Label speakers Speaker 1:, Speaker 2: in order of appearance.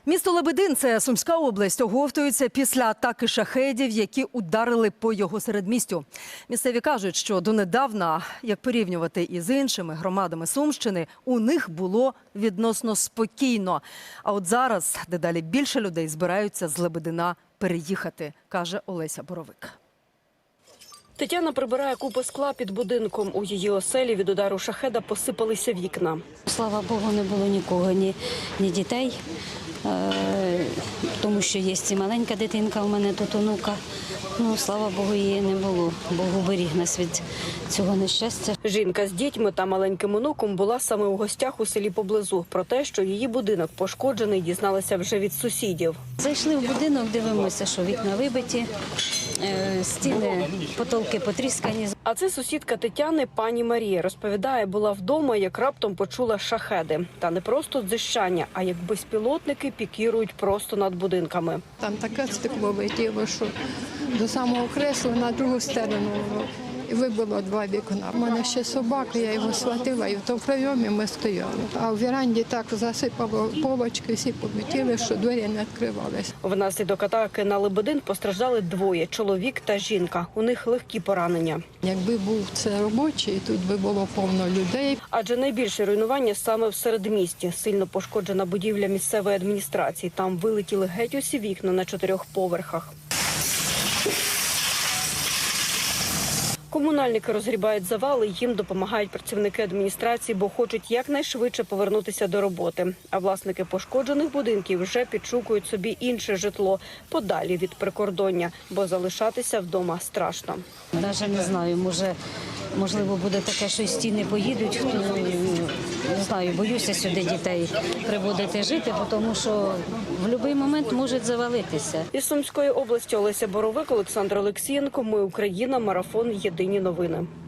Speaker 1: Місто Лебедин – це Сумська область, оговтується після атаки шахедів, які ударили по його середмістю. Місцеві кажуть, що донедавна, як порівнювати із іншими громадами Сумщини, у них було відносно спокійно. А от зараз дедалі більше людей збираються з Лебедина переїхати, каже Олеся Боровик.
Speaker 2: Тетяна прибирає купи скла під будинком. У її оселі від удару шахеда посипалися вікна.
Speaker 3: Слава Богу, не було нікого, ні дітей, тому що є і маленька дитинка, у мене тут онука. Ну, слава Богу, її не було. Бог уберіг нас від цього нещастя.
Speaker 2: Жінка з дітьми та маленьким онуком була саме у гостях у селі поблизу. Про те, що її будинок пошкоджений, дізналася вже від сусідів.
Speaker 3: Зайшли в будинок, дивимося, що вікна вибиті, стіни, потолки потріскані.
Speaker 2: А це сусідка Тетяни, пані Марія. Розповідає, була вдома, як раптом почула шахеди. Та не просто дзищання, а як безпілотники пікірують просто над будинками.
Speaker 4: Там таке стекло летіло, що до самого кресла на другу сторону вибило 2 вікна. У мене ще собака, я його схватила, і в тому прийомі ми стояли. А в віранді так засипало полочки, всі полетіли, що двері не відкривалися.
Speaker 2: Внаслідок атаки на Лебедин постраждали 2 – чоловік та жінка. У них легкі поранення.
Speaker 4: Якби був це робочий, тут би було повно людей.
Speaker 2: Адже найбільше руйнування саме в середмісті. Сильно пошкоджена будівля місцевої адміністрації. Там вилетіли геть усі вікна на 4 поверхах. Комунальники розгрібають завали, їм допомагають працівники адміністрації, бо хочуть якнайшвидше повернутися до роботи. А власники пошкоджених будинків вже підшукують собі інше житло подалі від прикордоння, бо залишатися вдома страшно.
Speaker 3: Навіть не знаю, можливо, буде таке, що і стіни поїдуть. Не знаю, боюся сюди дітей приводити жити, тому що в будь-який момент можуть завалитися.
Speaker 2: Із Сумської області Олеся Боровик, Олександр Олексієнко. Ми Україна. Марафон. Єдині новини.